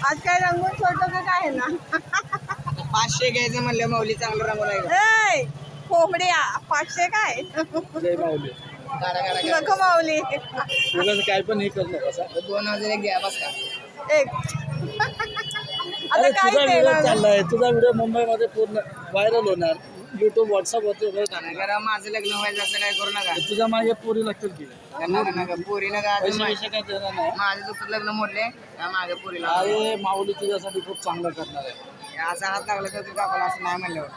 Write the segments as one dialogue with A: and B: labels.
A: आज काय रंगून सोडतो का काय ना
B: 500 घ्यायचं म्हणलं माऊली चांगलं रंगून आहे.
A: कोंबड्या 500 काय
C: जय माऊली.
A: नको माऊली
C: उगाच काय पण हे करू नका सर.
B: 2000 एक घ्या बस का.
A: एक आता
C: अरे
A: काय
C: तुझा व्हिडिओ
A: देणार
C: चाललाय, तुझा व्हिडिओ मुंबईमध्ये पूर्ण व्हायरल होणार. युट्यूब व्हॉट्सअपवरती वगैरे
B: आणि
C: टाकणार.
B: जरा माझं लग्न व्हायचं असं काय करू नका.
C: तुझ्या मागे पोरी लागतील की
B: नका पोरी नका.
C: पैसे पैसे काय देणार नाही.
B: माझं दुसरं लग्न मोडले त्या मागे पोरीला
C: अरे माऊली तुझ्यासाठी खूप चांगलं करणार आहे.
B: असा हात लागला तर तू कापाला असं नाही म्हणल्यावर.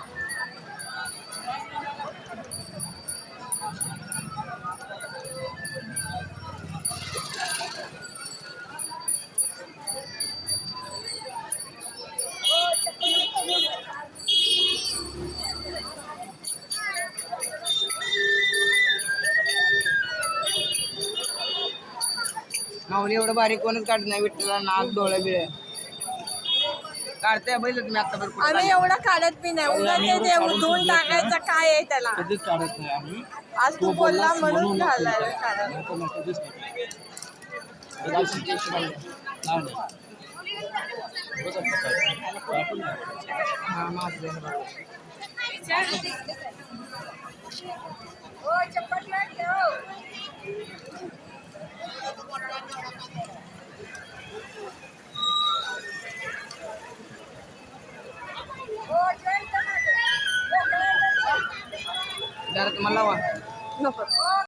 B: माऊली एवढं बारीक कोणच काढत नाही. विठ्ठला नाक डोळे बिळे काढते बैल तुम्ही आता
A: आम्ही एवढा काढत बी नाही उगा ते धुवून टाकायचं काय आहे त्याला
C: कधीच काढत नाही आम्ही.
A: आज तू बोलला म्हणून घालायला काढत
C: नाही तर मग कधीच नाही. कधीच नाही. नाही, नाही. उगाच आपलं काय. आपण नाही.
B: जरा तुम्हाला लावा.
A: नको